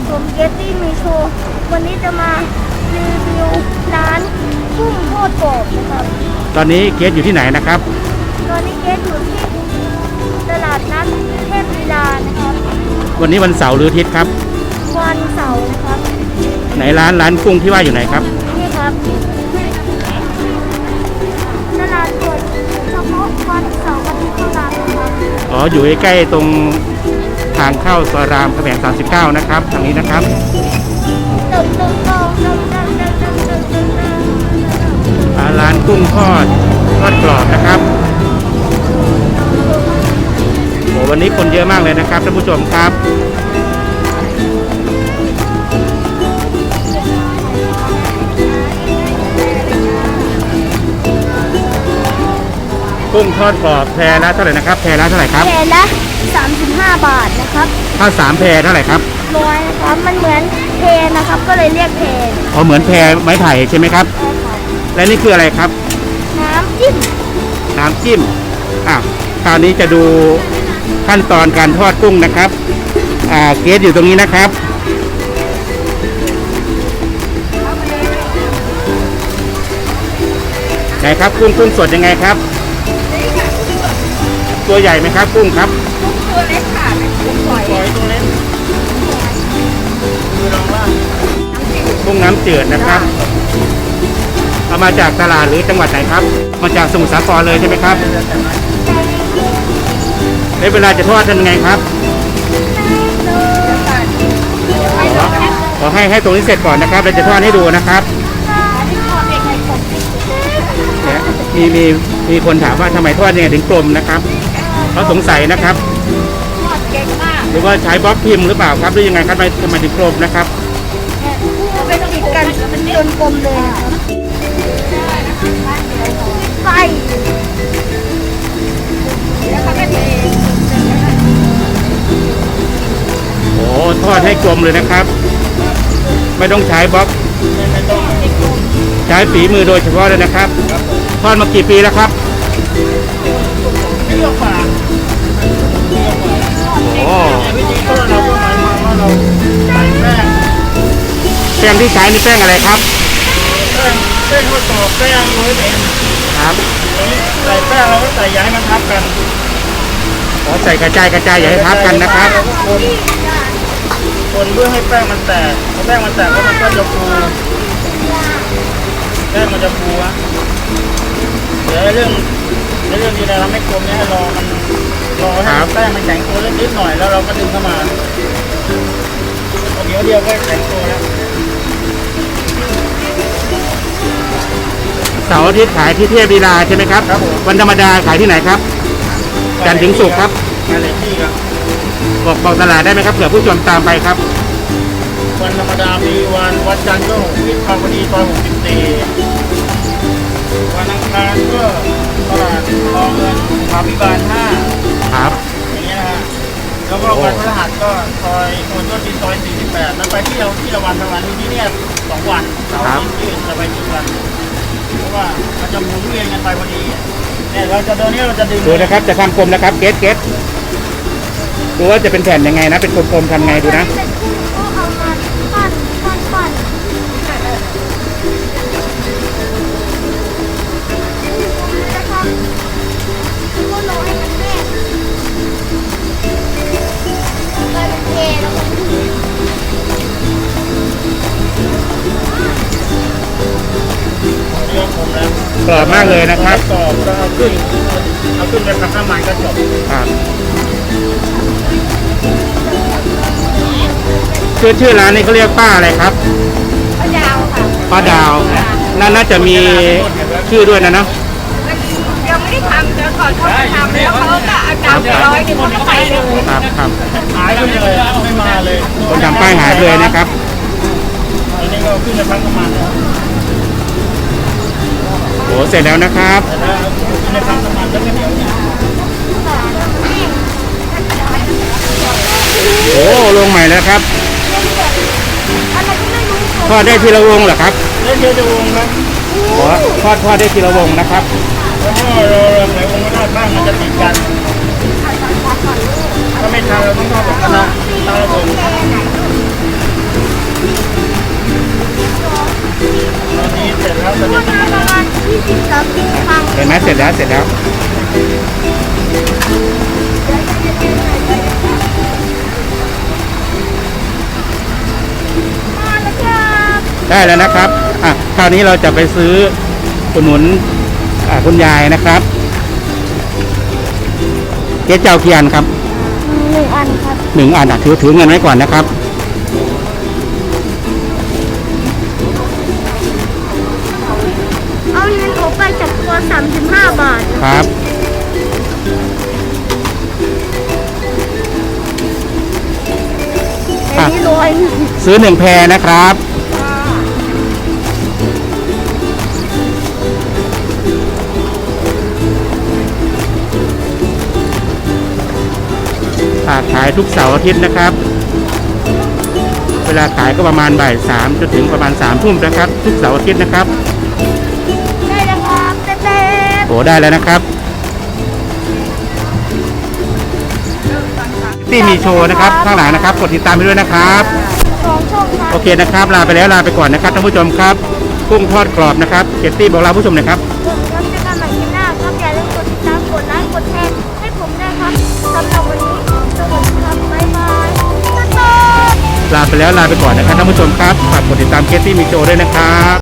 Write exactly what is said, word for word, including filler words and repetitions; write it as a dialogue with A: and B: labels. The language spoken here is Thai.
A: ผมเกตตี้มีโชว์วันนี้จะมารีวิวร้านกุ้งทอดกรอบนะครับ
B: ตอนนี้เกตอยู่ที่ไหนนะครับ
A: ตอนนี้เกตอยู่ที่ตลาดนัดเทพลีลานะครับ
B: วันนี้วันเสาร์หรืออาทิตย์ครับ
A: วันเสาร์นะครับ
B: ไหนร้านร้านกุ้งที่ว่าอยู่ไหนครับ
A: นี่ครับตลาดเปิดเฉพาะวันเสาร์อาทิตย์เท่านั้นนะครับ
B: อ๋ออยู่ใกล้ๆตรงทางเข้าซอยรามคำแหงสามสิบเก้านะครับทางนี้นะครับร้านกุ้งทอดทอดกรอบนะครับโอ้วันนี้คนเยอะมากเลยนะครับท่านผู้ชมครับกุ้งทอดกรอบแพรละเท่าไหร่นะครับแพรละเท่าไหร่ครับ
A: แพรละสามสิบห้าบาทนะครับ
B: ถ้าสามแพรเท่าไหร่ครับ
A: ร้อยนะครับมันเหมือนแพรนะครับก็เลยเรียกแพร
B: อ๋อเหมือนแพรไม้ไผ่ใช่ไหมครับและนี่คืออะไรครับ
A: น้ำจิ้ม
B: น้ำจิ้มอ่ะคราวนี้จะดูขั้นตอนการทอดกุ้งนะครับอ่าเกสอยู่ตรงนี้นะครับไหนครับกุ้งกุ้งสดยังไงครับตัวใหญ่ไหมครับกุ้งครับ
A: กุ้งตัวเล็กค่ะกุ้งฝอย
B: ตัวเล็กกุ้งน้ำจืดนะครับเอามาจากตลาดหรือจังหวัดไหนครับมาจากสมุทรสาครเลยใช่ไหมครับในเวลาจะทอดทำยังไงครับขอให้ให้ตรงนี้เสร็จก่อนนะครับเราจะทอดให้ดูนะครับมีมีมีคนถามว่าทำไมทอดยังไงถึงกลมนะครับเขาสงสัยนะครับ
A: ทอดเก่งมาก
B: หรือว่าใช้บล็อกพิมพ์หรือเปล่าครับหรือยังไงครับทำไมถึงกลมนะครับ
A: เป็นติดกันจนกลมเลยไฟแล้วเขาก็เท
B: โอ้ทอดให้กลมเลยนะครับไม่ต้องใช้บล็อกใช้ฝีมือโดยเฉพาะเลยนะครับทอดมากี่ปีแล้วครับโอ้แป้งที่ใช้นี่แป้งอะไรครับ
C: แป้งแป้งทอดกรอบแป้งโรยเอง
B: ครับ
C: ใส่แป้งเราก็ใส่ย้ายมันทับกัน
B: ขอใส่กระจายกระจายอย่าให้ทับกันนะครับ
C: คนคนเพื่อให้แป้งมันแตกพอแป้งมันแตกแล้วมันก็จะฟูแป้งมันจะฟูอะเดี๋ยวเรื่องในเรื่องที่เราทำให้กลมเนี่ยให้รอมันรอให้แป้งมันแข็งตัวเล็กนิดหน่อยแล้วเราก็ดึงเข้ามาเดี๋ยวเดียวก็แข็งตัวแล้ว
B: เสาร์อาทิตย์ขายที่เทพลีลาใช่ไหมครับวันธรรมดาขายที่ไหนครับจันทร์ถึงศุกร์ครับ
C: อะไรที่ครับ
B: บอกบอกตลาดได้ไหมครับเผื่อผู้ชมตามไปครับ
C: วันธรรมดามีวันวันจันทร์ก็หกสิบคำวันนี้ตอนหกสิบสี่วันอังคารก็ตลาดคลองเงินพาพิบาลห้า
B: ครับ
C: อย่างเงี้ยนะฮะแล้วก็วันพฤหัสก็ซอยคนต้นที่ซอยสี่สิบแปดแล้วไปที่เราที่ละวันละวันที่เนี่ยสองวันเสาร์อาทิตย์จะไปจุดวันเพราะว่ามันจะหมุนเวียนกันไปพอดีเนี่ยเราจะเดินนี้เราจะดึง
B: ดูนะครับจะทำกลมนะครับเกสเกสดูว่าจะเป็นแผ่นยังไงนะเป็นกลมๆทำไงดูนะกรอบมากเลยนะครับ
C: กรอบแล้วเอาขึ้นเอาขึ้นไปทำน้ำมันก็จบ
B: ครับชื่อชื่อร้านนี้เขาเรียกป้าอะไรครับ
A: ป้าดาวค่ะ
B: ป้าดาวน่าจะมีชื่อด้วยนะเนาะ
A: ยังไม่ได้ทำเดี๋ยวก่อนเขาทำแล้วเขาจะเอาดาวไปร้อยหนึ่งเขาก็ไปเลย
B: ครับครับ
C: หายไปเลยไม่มาเลย
B: คนทำป้ายหายเลยนะครับ
C: อันนี้ก็ขึ้นไปทำน้ำมัน
B: โอ้เสร็จแล้วนะครับโอ้ลงใหม่แล้วครับทอดได้ทีละวงเหรอครับ
C: ได้ทีละวงครับ
B: ทอดทอดได้ทีละวงนะครับ
C: แล้วก็เราใส่วงก็ได้บ้างมันจะติดกันถ้าไม่ทำเราต้องทอดแบบกระทะทำระบบ
B: ไหมเสร็จแล้วเสร็จแล้ว
A: มาแล้วครับ
B: ได้แล้วนะครับอ่ะคราวนี้เราจะไปซื้ออุดหนุนอ่าคุณยายนะครับเจ๊เจ้าเกียนครับ
A: หนึ่งอันครับ
B: หนึ่งอันอ่ะถือถือเงินไว้ก่อนนะครับ
A: เอาเงินออกไปจากตัวสามสิบห้าบาท
B: ครับ
A: อันนี้ร้อยหนึ่ง
B: ซื้อหนึ่งแพรนะครับอ่าขายทุกเสาร์อาทิตย์นะครับ เวลาขายก็ประมาณบ่ายสามจนถึงประมาณสามทุ่มนะครับ ทุกเสาร์อาทิตย์นะครับ
A: ได้แล้วครับเต้ๆ
B: โอ้ได้แล้วนะครับที่มีโชว์นะครับข้างหลังนะครับกดติดตามไปด้วยนะครับ
A: สองช่องครับ
B: โอเคนะครับลาไปแล้วลาไปก่อนนะครับท่านผู้ชมครับกุ้งทอดกรอบนะครับเกตตี้บอกลาผู้ชมหนะครับ
A: ผมครับจะกันใหม่ที่หน้าครับอย่าลืมกดติดตามกดไลค์กดแชร์ให้ผมด้วยครับสำหรับวันนี้สวัสดีครับบ๊ายบายบ๊ายบาย
B: ลาไปแล้วลาไปก่อนนะครับท่านผู้ชมครับฝากกดติดตามเกตตี้มีโชว์ด้วยนะครับ